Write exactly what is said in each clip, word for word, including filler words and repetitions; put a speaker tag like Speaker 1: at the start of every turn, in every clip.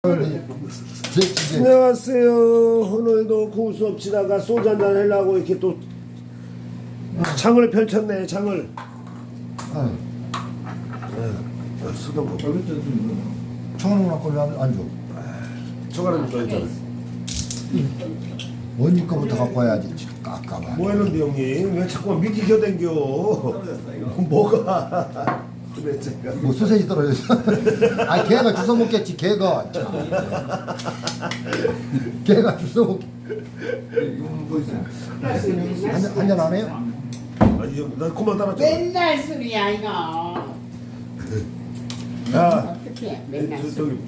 Speaker 1: 안녕하세요. 오늘도 고수업 치다가 소주 한잔 하려고 이렇게 또 창을 펼쳤네. 창을.
Speaker 2: 아,
Speaker 1: 네, 쓰던 거.
Speaker 2: 청원을 갖고 왜안 줘?
Speaker 1: 저거는 또 있잖아.
Speaker 2: 언니 거부터 갖고 와야지. 깎아봐.
Speaker 1: 뭐 했는데 형님? 왜 자꾸 밑에 겨댕겨? 뭐가? 그래 제가.
Speaker 2: 뭐 소세지 떨어졌어? 아, 걔가 주워 먹겠지. 걔가. 참. 걔가 주워 먹. 한잔 한잔 안 해요?
Speaker 1: 아니 형, 나 그만 따라줘.
Speaker 3: 맨날 술이야 이거.
Speaker 1: 야,
Speaker 3: 어떻게 맨날
Speaker 1: 저,
Speaker 3: 술.
Speaker 1: 저기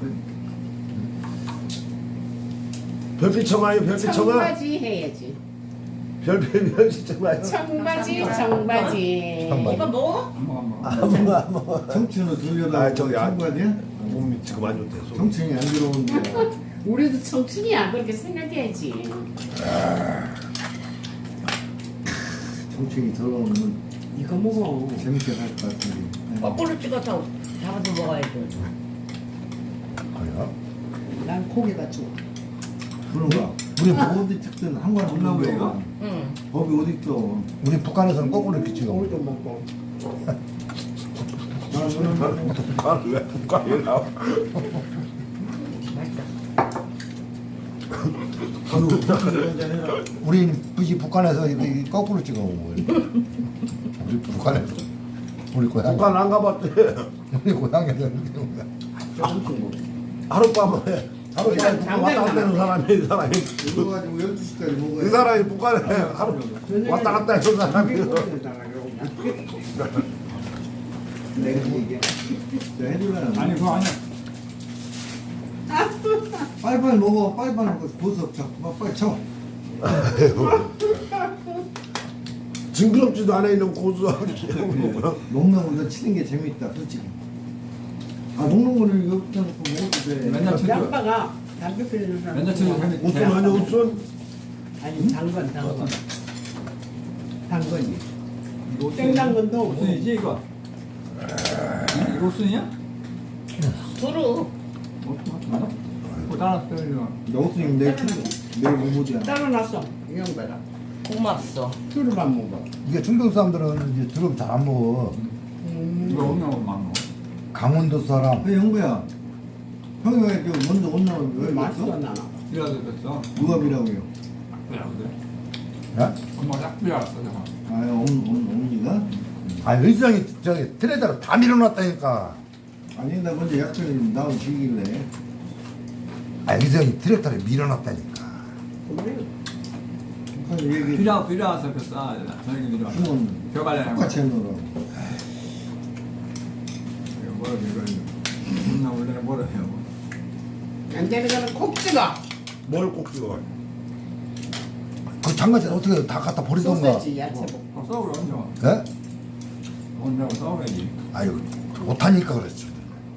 Speaker 1: 별빛 청아요. 별빛 청아.
Speaker 3: 청바지 해야지.
Speaker 1: 별빛 별빛 청아요.
Speaker 3: 청바지 청바지.
Speaker 2: 청바지.
Speaker 3: 이거 뭐?
Speaker 1: 아무 아무.
Speaker 4: 청춘은 들려다.
Speaker 1: 아, 저기 아-
Speaker 4: 청바지야?
Speaker 1: 몸이 지금 안 좋대. 속.
Speaker 4: 청춘이 안 들어오는데.
Speaker 3: 우리도 청춘이야 그렇게 생각해야지.
Speaker 4: 청춘이 들어오면
Speaker 3: 이거 먹어.
Speaker 4: 재밌게 살 것 같은데.
Speaker 5: 거꾸로 찍어서 잡아서 먹어야지.
Speaker 2: 그래요?
Speaker 3: 난 고기가 좋아.
Speaker 4: 그런가? 우리 어디 찍든 한관 없는 거야.
Speaker 5: 응.
Speaker 4: 법이 어디 있어?
Speaker 2: 우리 북한에서는 거꾸로 이렇게 찍어.
Speaker 3: 오이도 먹고.
Speaker 1: 북한 왜 북한에 나와?
Speaker 2: 우리 굳이 북한에서 이렇게 거꾸로 찍어 먹어요. 우리 북한에서. 우리 고향.
Speaker 1: 북한 안 가봤대.
Speaker 2: 우리 고향에서 이렇게 먹어요.
Speaker 1: 하룻밤에 하룻밤에 북한 왔다 갔다 하는 사람이 이 사람이
Speaker 4: 이거 가지고 열두 시까지
Speaker 1: 이
Speaker 4: 먹어야
Speaker 1: 사람이 북한에 하루 왔다 갔다 했던 사람이
Speaker 4: 내가 이게 내가 해줄라나.
Speaker 6: 아니 그거 아니야.
Speaker 4: 빨리빨리 먹어. 빨리빨리 먹어. 보석 자꾸 빨리 쳐.
Speaker 1: 징그럽지도 않아 있는 고수하고
Speaker 4: 먹는 거는 치는 게 재밌다. 솔직히. 아 먹는 거를 여기다 놓고 먹어도 돼.
Speaker 6: 맨날 쳐줘.
Speaker 3: 양파가 담배 피우는 사람.
Speaker 6: 맨날 쳐줘. 재밌-
Speaker 1: 웃순 아니야 웃순?
Speaker 3: 아니 당근 당근. 당근이.
Speaker 6: 이거 옷순-
Speaker 3: 생당근도
Speaker 6: 옷순이지 이거. 이- 이거 옷순이야?
Speaker 5: 두루.
Speaker 6: 맞아? 그거 따라 떨려.
Speaker 4: 여우스님 내일 출 내일 공부지야.
Speaker 3: 따로 놨어. 이 형배가.
Speaker 5: 고맙소.
Speaker 3: 술만 먹어.
Speaker 2: 이게 충청 사람들은 이제 두릅 잘 안 먹어.
Speaker 3: 음.
Speaker 6: 이거 없는 막 먹어.
Speaker 2: 강원도 사람.
Speaker 4: 그 형부야. 형이 왜 이렇게 먼저 못 나오는 왜
Speaker 3: 맛있어
Speaker 4: 그랬어?
Speaker 3: 나는.
Speaker 6: 이라도 됐어.
Speaker 4: 누가 비라고요?
Speaker 6: 그래 그래.
Speaker 2: 예?
Speaker 6: 엄마 딱 비라왔어 내가.
Speaker 4: 아, 엄, 엄, 엄니가?
Speaker 2: 아, 의상이 저기 트레이더로 다 밀어놨다니까.
Speaker 4: 아니, 나 먼저 약속이 나오고 지길래.
Speaker 2: 아, 의상이 트레이더로 밀어놨다니까.
Speaker 3: 그래.
Speaker 4: 그래서 얘기
Speaker 6: 비라 비라와서 그 싸. 저녁에 비라.
Speaker 4: 주문
Speaker 6: 벼갈래.
Speaker 4: 똑같이 해놓으라고.
Speaker 6: 이거 뭐라 이거. 나 원래 뭐라 해요.
Speaker 3: 안 되는 거는 콕 찍어.
Speaker 1: 뭘 꼭 찍어?
Speaker 2: 그 장가지 어떻게 다 갖다 버리던가.
Speaker 3: 소세지 야채 볶음.
Speaker 6: 어, 싸우러 얹어.
Speaker 2: 예?
Speaker 6: 얹자고 싸우래야지.
Speaker 2: 아유, 못하니까 그랬죠.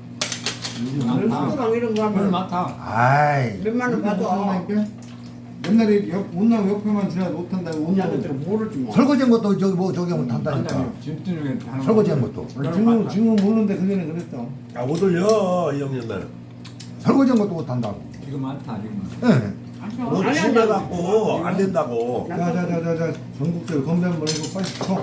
Speaker 3: 레스토랑 이런 거
Speaker 6: 별
Speaker 3: 하면
Speaker 6: 많다.
Speaker 2: 아이,
Speaker 3: 몇만 원 받아.
Speaker 4: 옛날에 옆, 못나면 옆에만 지나도 못한다고
Speaker 3: 언니한테
Speaker 4: 온다고.
Speaker 3: 모르지 뭐.
Speaker 2: 설거지한 것도 저기 뭐 저기 하면 탄다니까.
Speaker 6: 한다니 짐 중에 하는
Speaker 2: 설거지한 것도.
Speaker 4: 지금은, 지금은 모르는데 그전에 그랬어.
Speaker 1: 아 못 올려 이 형님 날.
Speaker 2: 설거지한 것도 못한다고.
Speaker 6: 이거 많다 지금.
Speaker 2: 예.
Speaker 1: 너
Speaker 3: 아니, 아니,
Speaker 1: 심해갖고 안 된다고.
Speaker 4: 자, 자, 자, 자, 자. 전국적으로 건배 한번 해고 빨리 쳐.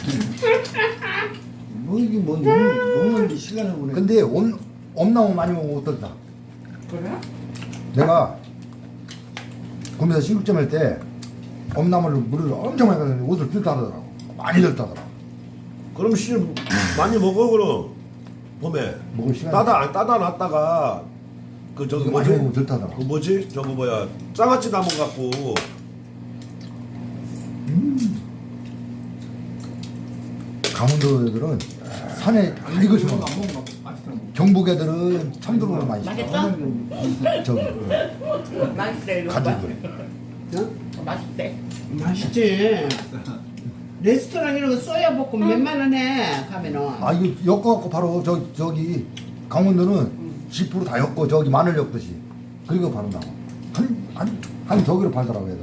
Speaker 4: 뭐 이게 뭔, 먹는지 시간을 보내.
Speaker 2: 근데 엄, 엄나무 많이 먹으면 어떨까?
Speaker 3: 그래?
Speaker 2: 내가 구매에서 신국점 할 때 엄나무를 물을 엄청 많이 가서 옷을 들다더라고. 많이 들다더라고.
Speaker 1: 그럼 씨 많이 먹어 그럼 봄에
Speaker 2: 먹을 시간이
Speaker 1: 따다 안 따다 놨다가 그 저기
Speaker 2: 이거
Speaker 1: 뭐지?
Speaker 2: 많이 먹으면 들다더라고.
Speaker 1: 그 뭐지? 저거 뭐야 장아찌 나무 갖고
Speaker 2: 강원도 애들은 산에 다 이거 심어.
Speaker 6: 안 먹으면 맛있어.
Speaker 2: 경북 애들은 참두릅을 많이 심어.
Speaker 5: 맛있어?
Speaker 2: 저기
Speaker 5: 맛있대 이거.
Speaker 2: 가지들.
Speaker 3: 어?
Speaker 5: 맛있대.
Speaker 3: 맛있지. 레스토랑 이런 거 쏘야 볶음 몇만 원에 가면은.
Speaker 2: 아 이거 엮어갖고 바로 저 저기 강원도는 십 퍼센트 다 엮고 저기 마늘 엮듯이 그리고 바른다고. 한한 저기로 팔더라고 애들.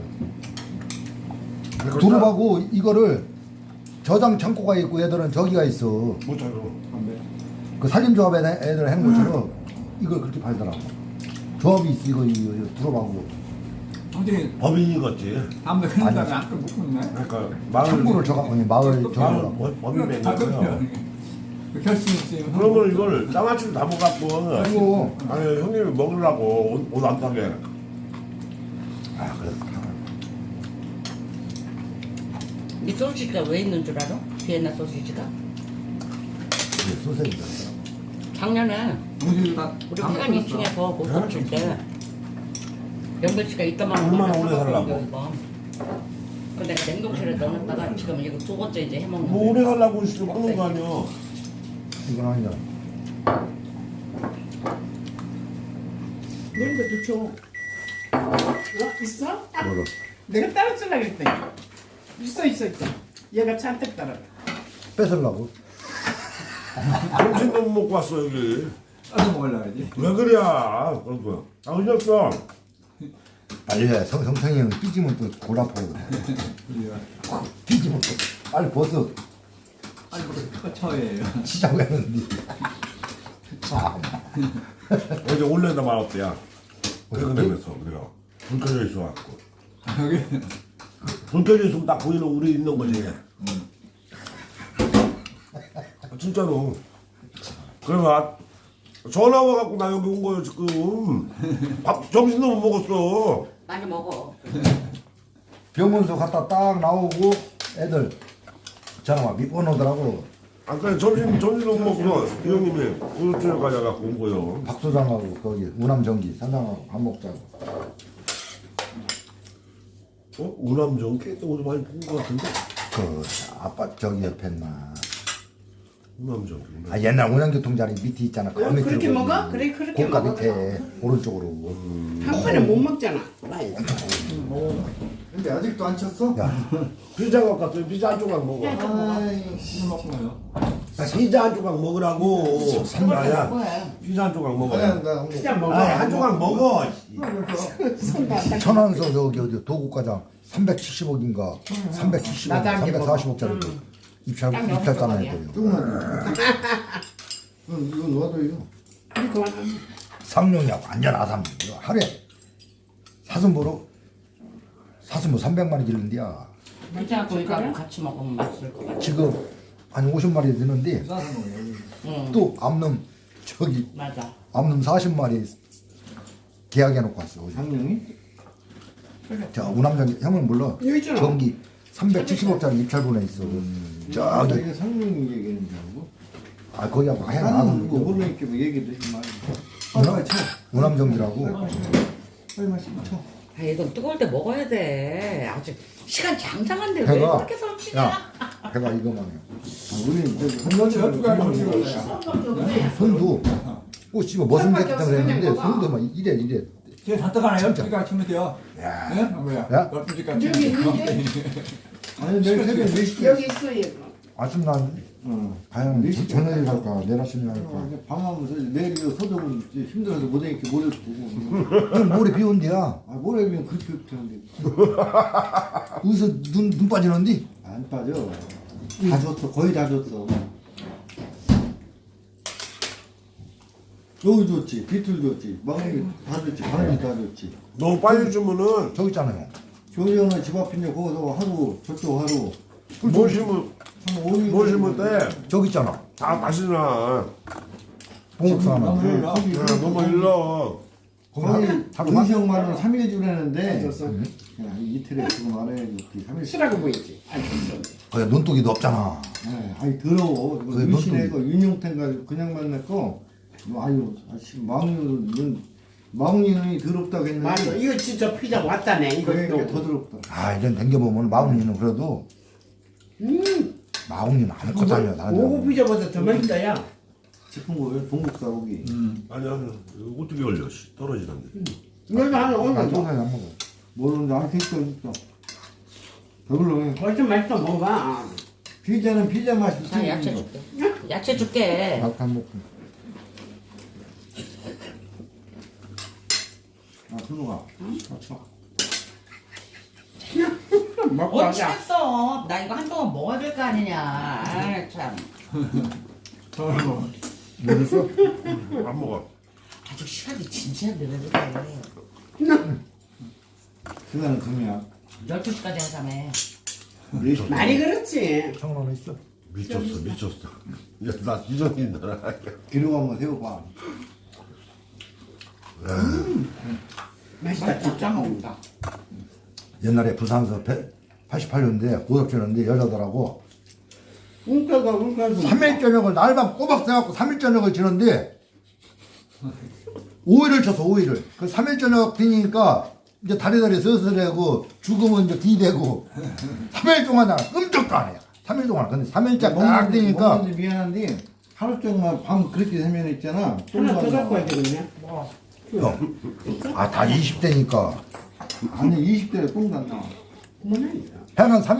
Speaker 2: 두릅하고 이거를 저장 창고가 있고 애들은 저기가 있어.
Speaker 1: 뭐 저거
Speaker 2: 그 살림조합 애들 해놓은 것처럼 이걸 그렇게 팔더라고. 조합이 있어 이거 이거, 이거 들어봐고.
Speaker 6: 어디
Speaker 1: 법인이 겠지.
Speaker 6: 담배 끊는 다음에 아까 못 끊네.
Speaker 1: 그러니까 마을
Speaker 2: 창고를 저가 아니 마을
Speaker 1: 마을
Speaker 2: 저가라고.
Speaker 1: 법- 법인 낸 거예요.
Speaker 6: 그 결심했어요.
Speaker 1: 그러면 이걸 장아찌를 담아갖고
Speaker 2: 아이고.
Speaker 1: 아니 형님이 먹으려고 옷 안 타게.
Speaker 2: 아 그래.
Speaker 5: 이 소시지가 왜 있는 줄 알아? 비엔나 소시지가?
Speaker 2: 이게 소세지다.
Speaker 5: 작년에
Speaker 6: 동시에 다
Speaker 5: 우리
Speaker 6: 담배
Speaker 5: 회관
Speaker 6: 끊었어.
Speaker 5: 이 층에서 못칠 때 영배 씨가 이따만
Speaker 1: 얼마나 오래 살라고?
Speaker 5: 근데 내가 냉동실에 넣어놨다가 지금 이거 두 번째 이제 해먹는
Speaker 1: 뭐 오래 가려고 있으면 끊는 거 아니야.
Speaker 2: 이건 아니잖아.
Speaker 3: 이런 것도 줘. 어? 있어?
Speaker 2: 뭐로?
Speaker 3: 내가 따라주려고 그랬더니 있어 있어 있어. 얘가 잔뜩 따라.
Speaker 2: 뺏으려고.
Speaker 1: 점심도 못 먹고 왔어 여기.
Speaker 6: 따서 먹으려야지.
Speaker 1: 왜 그래? 그런 아 그랬어.
Speaker 2: 빨리 해. 성, 성성이 형 삐지면 또 골아파.
Speaker 6: 우리가
Speaker 2: 삐지면 또 빨리 벗어.
Speaker 6: 아니 뭐 처예요.
Speaker 2: 치자고 했는데. 참.
Speaker 1: 어제 올려다 말았대야. 퇴근하면서 우리가 불 켜져 있어갖고
Speaker 6: 여기
Speaker 1: 불 켜져 있으면 딱 보이는 우리 있는 거지. 아, 진짜로. 그래가 전화 와갖고 나 여기 온 거예요 지금. 밥 점심도 못 먹었어.
Speaker 5: 많이 먹어.
Speaker 2: 병원서 갔다 딱 나오고 애들 전화 와 밑번 오더라고.
Speaker 1: 아까 점심 점심도 못 먹고서 이 형님이 우유집에 가져갖고 온 거예요.
Speaker 2: 박 소장하고 거기 우남전기 사장하고 밥 먹자고.
Speaker 1: 어? 우남정기? 어디 많이 본 거 같은데?
Speaker 2: 그 아빠 저기 옆에 나.
Speaker 1: 우남정기.
Speaker 2: 아 옛날 운양교통자리 밑에 있잖아. 그
Speaker 3: 어,
Speaker 2: 밑으로
Speaker 3: 그렇게
Speaker 2: 거기.
Speaker 3: 먹어? 그래, 그렇게
Speaker 2: 고가
Speaker 3: 먹어.
Speaker 2: 밑에 오른쪽으로.
Speaker 3: 한 번에 못 먹잖아. 많이.
Speaker 4: 근데 아직도 안 쳤어?
Speaker 2: 야
Speaker 1: 피자 갖고 왔어요. 피자 한 조각 먹어.
Speaker 4: 아이
Speaker 6: 술 먹고요.
Speaker 1: 피자 한 조각 먹으라고. 삼나야.
Speaker 5: 뭐야?
Speaker 1: 피자 한 조각 먹어.
Speaker 4: 아니야 나 한
Speaker 3: 피자 먹어.
Speaker 1: 아이 한 조각 먹어.
Speaker 2: 천안서 저기 어디 도곡과장 삼백칠십억인가 삼백칠십억
Speaker 3: 나도 한개
Speaker 2: 삼백사십억짜리 입찰
Speaker 5: 딱
Speaker 2: 입찰잖아
Speaker 5: 여섯
Speaker 2: 했더니
Speaker 4: 조금만 응 이거 놓아둬 이거
Speaker 3: 이거 하나.
Speaker 2: 상용이야 완전 아삼 하루에 사슴보로 사슴보 삼백만 원 기르는데야
Speaker 5: 괜찮아 고기하고 같이 먹으면 맛있을 것 같아.
Speaker 2: 지금 한 오십 마리 되는데
Speaker 6: 싸서 먹어요.
Speaker 5: 응.
Speaker 2: 또 암놈 저기
Speaker 5: 맞아.
Speaker 2: 암놈 사십 마리 계약해 놓고 왔어 어제.
Speaker 4: 장룡이?
Speaker 2: 자 우남전 형은 몰라
Speaker 3: 여기 있잖아.
Speaker 2: 전기 삼백칠십억짜리 입찰 보내 있어
Speaker 4: 나
Speaker 2: 저기
Speaker 4: 이게 상룡이 얘기하는 줄 알고
Speaker 2: 아 거기하고 하얀
Speaker 4: 나는
Speaker 2: 아는
Speaker 4: 이거
Speaker 2: 거
Speaker 4: 모르니까 뭐 얘기도 하지 마
Speaker 2: 우남, 우남전기라고
Speaker 4: 빨리 마시고 쳐
Speaker 5: 아 이건 뜨거울 때 먹어야 돼. 아직 시간 장장한데 왜
Speaker 2: 배가
Speaker 5: 그렇게 설치냐?
Speaker 2: 야 배가 이거만 해
Speaker 4: 아, 우리는 저기 한
Speaker 6: 한번째
Speaker 4: 번째
Speaker 6: 어떻게 하면 먹어요?
Speaker 2: 손도 오 씨발 무슨
Speaker 3: 손밖에
Speaker 2: 새끼
Speaker 3: 없어,
Speaker 2: 때문에 했는데
Speaker 3: 그냥 먹어.
Speaker 2: 손도 막 이래 이래
Speaker 6: 쟤 잔뜩하나 열두 시까지 치면 돼요.
Speaker 2: 야.
Speaker 6: 예? 뭐야?
Speaker 2: 야?
Speaker 6: 열두 시까지
Speaker 3: 여기
Speaker 6: 치면
Speaker 3: 있는데?
Speaker 4: 아니 내일 새벽 네 시에
Speaker 3: 여기 있어 얘가.
Speaker 2: 아침 난
Speaker 4: 응
Speaker 2: 과연
Speaker 4: 네 시
Speaker 2: 저녁에 갈까 내일 아침에
Speaker 4: 어,
Speaker 2: 갈까
Speaker 4: 이제 밤하면서 내일 이거 서적은 이제 힘들어서 못 하니까 모레 보고
Speaker 2: 형 모레 비 온대야
Speaker 4: 아 모레면 그렇게 하는데
Speaker 2: 어디서 눈, 눈 빠지는데
Speaker 4: 안 빠져 다 줬어 거의 다 줬어 여기 줬지 비틀 줬지 막내기 다 줬지 바람이 다 줬지
Speaker 1: 너무 빨리 주면은
Speaker 2: 저기 있잖아요
Speaker 4: 조리 형은 집 앞인데 거기서 하루 저쪽 하루
Speaker 1: 뭘 심으면
Speaker 4: 한 오 일
Speaker 1: 뭘 심으면 돼?
Speaker 2: 저기 있잖아
Speaker 1: 다 맛이 나.
Speaker 2: 봉옥사 하나
Speaker 4: 네,
Speaker 1: 야,
Speaker 4: 거기
Speaker 1: 너무 일러.
Speaker 4: 거기
Speaker 2: 하루
Speaker 4: 음식만 원 삼 일 주라는데
Speaker 3: 줬어.
Speaker 4: 야, 이틀에 지금 알아야지 삼 일
Speaker 3: 쓰라고 보이지. 안 썼어.
Speaker 2: 거기 논독이도 없잖아
Speaker 4: 네, 아이 더러워. 이거
Speaker 2: 그게
Speaker 4: 유신의 거
Speaker 2: 뭔
Speaker 4: 윤용태가 그냥 만났고 아유 아씨 마웅이는 마웅이는 더럽다고 했는데
Speaker 3: 맞아. 이거 진짜 피자 왔다네.
Speaker 4: 그러니까 더
Speaker 3: 이것도.
Speaker 4: 더럽다.
Speaker 2: 아 이런 댕겨보면 마웅이는 그래도
Speaker 3: 음.
Speaker 2: 마웅이는 아무것도 아니야 나는
Speaker 3: 오고 피자보다 더 맛있다 야.
Speaker 4: 싶은 거예요. 동국사 오기.
Speaker 6: 음.
Speaker 1: 아니야, 이거 어떻게 걸려? 씨, 떨어지는데.
Speaker 3: 너도 하나
Speaker 2: 난
Speaker 3: 오늘
Speaker 2: 소세지
Speaker 3: 뭐.
Speaker 2: 안 먹어
Speaker 4: 모르는데 안 됐어 있어. 더불어.
Speaker 3: 벌써 맛있어 먹어봐.
Speaker 4: 피자는 피자 맛이
Speaker 5: 자 야채 줄게. 야채 줄게.
Speaker 2: 나도 안 먹고
Speaker 4: 아 순우가.
Speaker 3: 먹고
Speaker 5: 언제
Speaker 3: 하자.
Speaker 5: 했어? 나 이거 한동안 먹어야 될 거 아니냐. 아 참.
Speaker 6: 더러워.
Speaker 2: 모르겠어?
Speaker 1: 안 먹어.
Speaker 5: 다
Speaker 3: 아주 시간이 진짜 늘어져요.
Speaker 4: 그날은 금이야.
Speaker 5: 열두 시까지 하자며.
Speaker 1: 미쳤어.
Speaker 3: 많이 그렇지.
Speaker 2: 청론 있어?
Speaker 1: 미쳤어, 미쳤어. 야, 나 이정인 나라.
Speaker 4: 기름 한번 세워봐.
Speaker 3: 맛있다.
Speaker 5: 진짜 먹는다.
Speaker 2: 옛날에 부산에서 팔십팔 년대 고속철인데 여자들하고
Speaker 3: 운가가 운가가.
Speaker 2: 삼 일 저녁을 날밤 꼬박 새갖고 삼 일 저녁을 지는데 오 일을 쳤어 오 일을 그 삼 일 저녁 뒤니까 이제 다리다리 서슬하고 죽으면 이제 뒤대고 삼 일 동안 나 끔찍도 안 해요 삼 일 동안 근데 삼 일째 딱 되니까
Speaker 4: 먹는데 미안한데 하루 종일 밤 그렇게 세면 있잖아.
Speaker 3: 하나 더 갖고 와야 되겠네.
Speaker 2: 아 다 이십 대니까
Speaker 4: 아니 이십 대에 똥도 안 나와.
Speaker 3: 그만해.
Speaker 2: 해는 삼